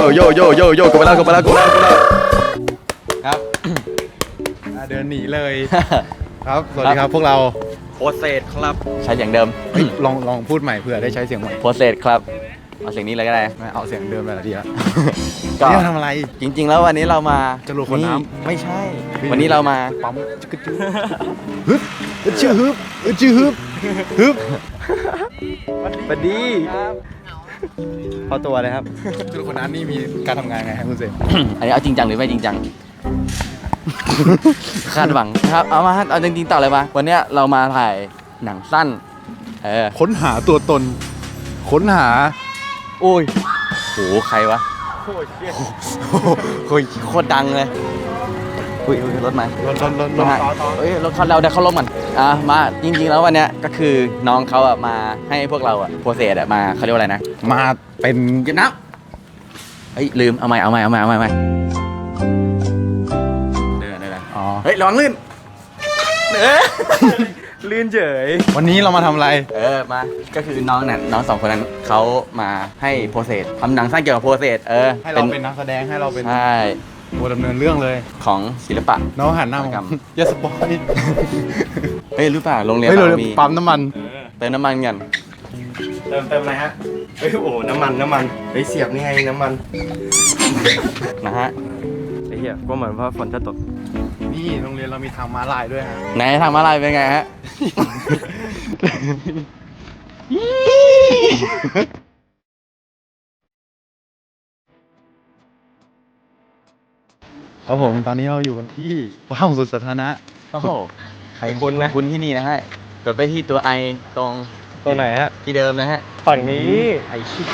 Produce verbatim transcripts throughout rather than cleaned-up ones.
โยโยโยโยกลับมาแล้วกลับมาแล้วกลับมาแล้วกลับมาแล้วครับเดินหนีเลย ครับสวัสดีครับพวกเราโพสเซตครับใช้เสียงเดิมลองลองพูดใหม่เผื่อได้ใช้เสียงใหม่โพสเซตครับเอาเสียงนี้เลยก็ได้ไม่เอาเสียงเดิมแบบดีแล้วก็นี่เราทำอะไรจริง ๆ แล้ววันนี้เรามาจะรูคนน้ำไม่ใช่ วันนี้เรามาปั๊มจึ๊กจึ๊กฮึบอึดชื่อฮึบอึดชื่อฮึบฮึบสวัสดีพอตัวเลยครับจะรูคนน้ำนี่มีการทำงานไงครับคุณเสกอันนี้เอาจริงจังหรือไม่จริงจัง คาดหวังครับเอามาเอาจริงๆต่อเลยมาวันเนี้ยเรามาถ่ายหนังสั้นเออค้นหาตัวตน ค้นหาโอ้ยโหใครวะโอ้ยโคตรดังเลยอุ้ยอุ้ยรถมาลนลนลนลนะนฮะต่อต่อเอ้ยรถเขาเราได้เข้าร่มกันอ่ะมาจริงๆแล้ววันเนี้ยก็คือน้องเขาอ่ะมาให้พวกเราอ่ะโปรเซสอ่ะมาเขาเรียกว่าอะไรนะมาเป็นเก็บน้ำเฮ้ยลืมเอาใหม่เอาใหม่เอาใหม่เอาใหม่เอาใหม่เดินเดินอ๋อเฮ้ยระวังลื่นเออ ลื่นเฉยวันนี้เรามาทำอะไรเออมาก็คือน้องนั่นน้องสองคนนั้นเขามาให้โปรเซสทำหนังสั้นเกี่ยวกับโปรเซสเออให้เราเป็นนักแสดงให้เราเป็นใช่ตัวดำเนินเรื่องเลยของศิลปะน้องหันหน้ามาครับอย่าสปอยเฮ้ยรู้ป่ะโรงเรียนเฮ้ยเราเรามีปั๊มน้ำมันเติมน้ำมันกันเติมเติมอะไรฮะเฮ้ยโอ้น้ำมันน้ำมันไปเสียบนี่ไงน้ำมันนะฮะไอ้เหี้ยก็เหมือนว่าฝนจะตกนี่โรงเรียนเรามีทางม้าลายด้วยฮะไหนทางมาลายเป็นไงฮะครับผมตอนนี้เราอยู่กันที่ห้องสวนสาธารณะโอ้โหใครคุ้นไหมคุณที่นี่นะฮะกดไปที่ตัวไอตรงตัวไหนฮะที่เดิมนะฮะฝั่งนี้ไอ้ชิ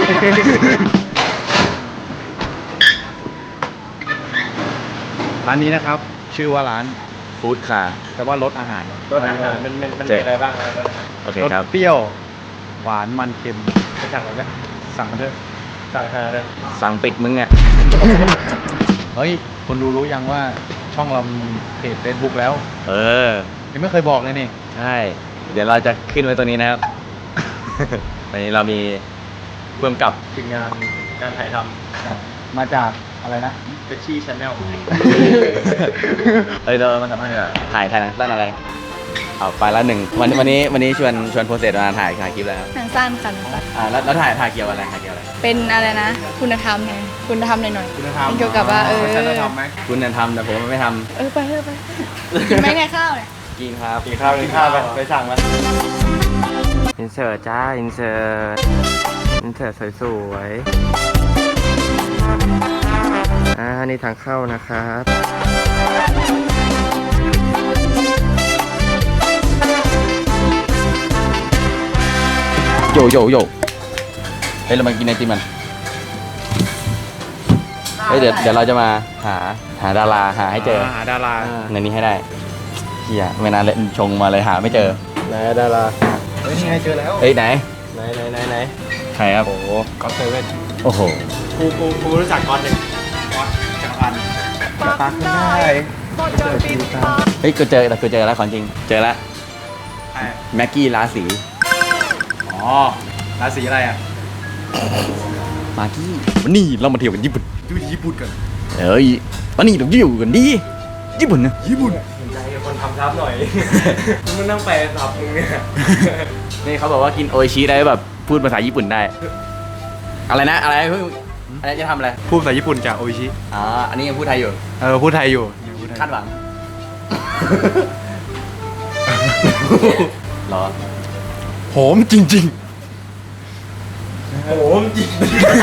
ร้านนี้นะครับ ชื่อว่าร้านฟู้ดคาร์แต่ว่ารสอาหารตัวอาหารมันมันมันมีอะไรบ้างอะไรบ้างโอเครสครับเปรี้ยว หวานมันเค็มไปสั่งกันไหมสั่งกันเถอะสั่งหาเลยสั่งปิดมึงอ่ะเฮ้ยคนรู้รู้ยังว่าช่องเรามีเพจ Facebook แล้วเออยังไม่เคยบอกเลยนี่ใช่ เดี๋ยวเราจะขึ้นไว้ตัวนี้นะครับ วันนี้เรามีเพิ่มกับถึงงานการถ่ายทมาจากอะไรนะำเฟชชี่ชาแนลเอ้ยเรามาทำอะไรอ่ะถ่ายถ่ายหนังสั้นอะไร เอาไปแล้วหนึ่งวันวันนี้วันนี้ชวนชวนโปรเซสมาถ่ายถ่ายคลิปแล้วหนังสั้นค่ะหนังสั้นอ่าแล้วแล้วถ่ายถ่ายเกี่ยวกับอะไรถ่ายเกี่ยวกับอะไรเป็นอะไรนะ คุณธรรมไงคุณธรรมหน่อยๆคุณธรรมเป็นเกี่ยวกับว่าเออฉันจะทำไหมคุณเนี่ยทำแต่ผมไม่ทเออไปเถอะไปกินไหมเนี่ยข้าวเนี่ยำกินครับกินข้าวกินข้าวไปไปสั่งมาอินเสิร์ตจ้าอินเสิร์ตอินเสิร์ตสวยๆอ่านี่ทางเข้านะครับโยโยโยเฮ้ยเรามากินไอติมมันเฮ้ยเดี๋ยวเดี๋ยวเราจะมาหาหาดาราหาให้เจอหาดาราในนี้ให้ได้เฮียไม่นานเลยชงมาเลยหาไม่เจอไหนดาราเฮ้ยนี่ไงเจอแล้วเฮ้ยไหนไหนไหนไหนไหนใครครับโอ้โหก็เซเว่นโอ้โหกูกูกูรู้จักก่อนหนึ่งก็จักรพันธ์ปักได้เฮ้ยกูเจอแต่กูเจอแล้วของจริง เจอแล้วแม็กกี้ราศีอ๋อราศีอะไรอ่ะมากี้วันนี้เรามาเที่ยวกันญี่ปุ่นดูญี่ปุ่นกันเฮ้ยวันนี้เราอยู่กันดีญี่ปุ่นนะญี่ปุ่นสนใจกับคนทำทับหน่อย มึงนั่งไปทับมึงเนี่ยนี่เขาบอกว่ากินโออิชิได้แบบพูดภาษาญี่ปุ่นได้ อะไรนะอะไรเพิ่งอะไรจะทำอะไรพูดภาษาญี่ปุ่นจากโออิชิอ๋ออันนี้ยังพูดไทยอยู่เออพูดไทยอยู่ยังพูดไทยคาดหวัง รอหอมจริงโอ้โหจริง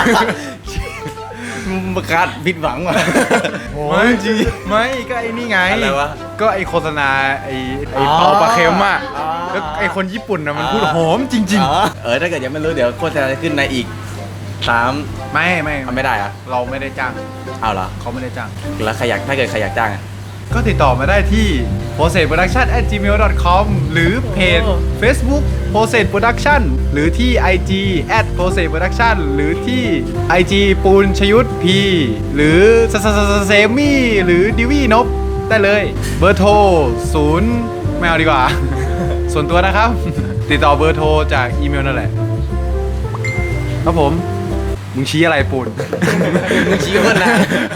ประกาศผิดหวังว่ะๆไม่จริงไม่ก็ไอ้นี่ไงอะไรวะก็ไอโฆษณาไอไออ๋อเปาปลาเค็มอ่ะอ๋อแล้วไอคนญี่ปุ่นอ่ะมันพูดหอมจริงอ๋อเออถ้าเกิดยังไม่รู้เดี๋ยวโฆษณาจะขึ้นในอีกสามๆ ไม่ไม่มันไม่ได้อะเราไม่ได้จ้างเอาเหรอเขาไม่ได้จ้างแล้วใครอยากถ้าเกิดใครอยากจ้างอะก็ติดต่อมาได้ที่ p r o c e s s production at gmail dot com หรือเพจ Facebook p r o c e s s production หรือที่ ไอ จี at p r o c e s s production หรือที่ ไอ จี ปูนชยุทธพีหรือสสสเซมี่หรือดิวี่นบได้เลย เบอร์โทรศูนย์ไม่เอาดีกว่า ส่วนตัวนะครับ ติดต่อเบอร์โทรจากอีเมลนั่นแหละ ครับผมมึงชี้อะไรปูนมึงชี้คนนะ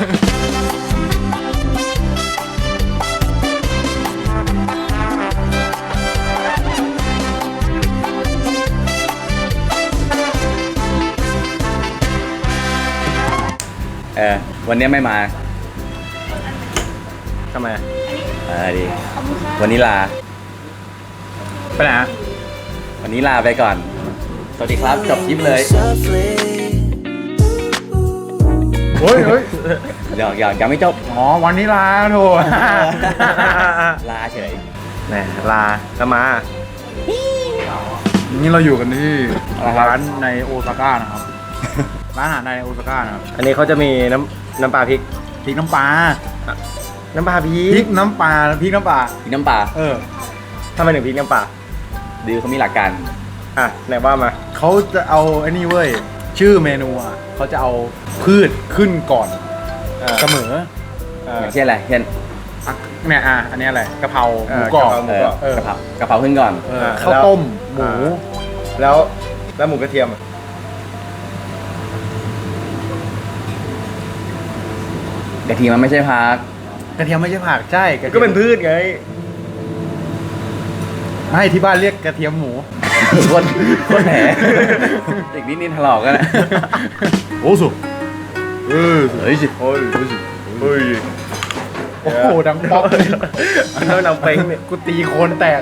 เออวันนี้ไม่มาทำไมเออดีขอบคุณค่ะวันนี้ลาไปไหนอะวันนี้ลาไปก่อน สวัสดีครับ จบคลิปเลยเฮ้ยเฮ้ยเดี๋ยวยังยังไม่จบอ๋อวันนี้ลาโถลาเฉยแหมลาแล้วมานี่เราอยู่กันที่อะไรครับร้านในโอซาก้านะครับ ร้านอาหารในโอซาก้านะครับอันนี้เขาจะมีน้ำน้ำปลาพริกพริกน้ำปลาน้ำปลาพริพริกกน้ำปลาพริกน้ำปลาพริกน้ำปลาเออทำไมถึงพริกน้ำปลาดิวเขามีหลักการอ่ะไหนว่ามาเขาจะเอาไอ้นี่เว้ย ชื่อเมนูอ่ะเขาจะเอาพืชขึ้นก่อนอ่าเสมออ่าอย่างเช่นอะไรเช่นอ่ะเนี่ยอ่ะอันนี้อะไรกะเพราหเอมูอกรอบกะเพรา หมูเอกรออบเออกะเพรากะเพราขึ้นก่อนเอออ่าข้าวแล้วต้มหมูอ่า แล้วแล้วหมูกระเทียมอ่ะกะทิมันไม่ใช่พักกระเทียมไม่ใช่ผักใช่กระทียมก็เป็นพืชไงไม่ที่บ้านเรียกกระเทียมหมูโคตรโคตรแผลอีกนิดนิดถลอกกันนะโอ้สุเออเฮ้ยสิโอ้ยเฮ้ยโอ้โหดังป๊อกเลยแล้วน้ำเป้งเนี่ยกูตีโคนแตก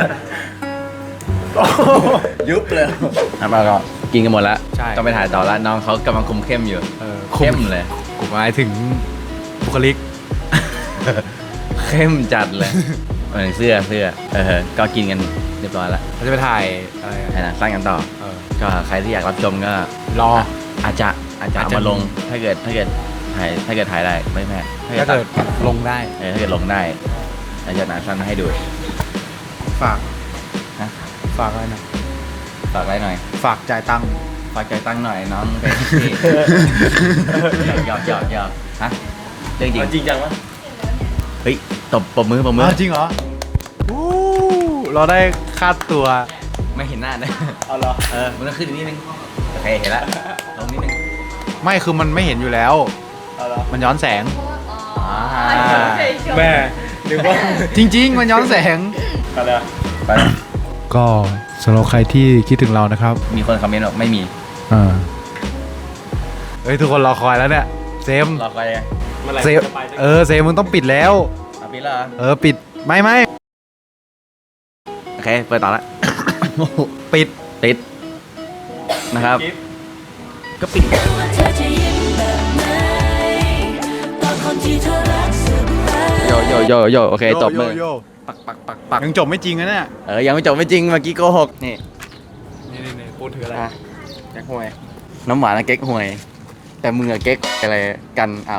ยุบเลยครับเราก็กินกันหมดแล้วใช่ต้องไปถ่ายต่อแล้วน้องเขากำลังคุมเข้มอยู่เออเข้มเลยกูหมายถึงบุคลิกเข้มจัดเลยเออเสื้อเสื้อเออก็กินกันเรียบร้อยแล้วเราจะไปถ่ายอะไรอะถ่ายหนังสั้นกันต่อเออก็ใครที่อยากรับชมก็รออาจจะอาจจะอาจเอาจะมาลงมีถ้าเกิดถ้าเกิดถ่ายถ้าเกิดถ่ายได้ไม่แพ้ถ้าเกิดลงได้เออถ้าเกิดลงได้อาจจะหนังสั้นให้ดูฝากนะฝากอะไรหนะฝากไว้หน่อยฝากจ่ายตังค์ฝากใจตั้งหน่อยน้องเป็นพี่หยอกหยอกหยอกฮะเรื่องจริงจริงจังวะเฮ้ยตบปมมือปมมืออ้าวจริงเหรออู้เราได้ค่าตัวไม่เห็นหน้านะเอาเหรอเออมันต้องขึ้นอีกนิดนึงโอเคเห็นละลงนิดนึงไม่คือมันไม่เห็นอยู่แล้วเอาเหรอมันย้อนแสงอ่าแม่นึกว่าจริง ๆ มันย้อนแสงอะไรอะไปก็สำหรับใครที่คิดถึงเรานะครับมีคนคอมเมนต์บอกไม่มีอ่าเฮ้ยทุกคนรอคอยแล้วเนี่ยเซมรอไปเลยเมื่อไหร่เซมจะไปสักเออเซมมึงต้องปิดแล้วเอาปีแล้วเหรอเออปิดไม่ไม่โอเคเปิดต่อละปิดติดนะครับคลิปก็ปิดว่าเธอจะยิ้มแบบไหนตอนคนที่เธอรักสุดท้ายโยโยโยโยโอเคตบมือโยโยปักปักปักปักยังจบไม่จริงนะเนี่ยเออยังไม่จบไม่จริงเมื่อกี้โกหกนี่นี่นี่นี่พูดถืออะไรอ่ะแก๊กหวยน้ำหวานอะเก๊กหวย แต่มึงอะเก๊กอะไรกันอ้าว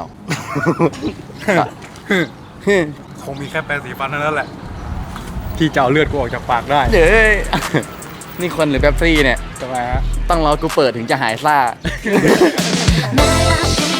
คงมีแค่แปรงสีฟันเท่านั้นแหละ ที่จะเอาเลือดกูออกจากปากได้เย้ยนี่คนหรือแป๊บซี่เนี่ยทำไมฮะต้องรอกูเปิดถึงจะหายซ่าไม่รัก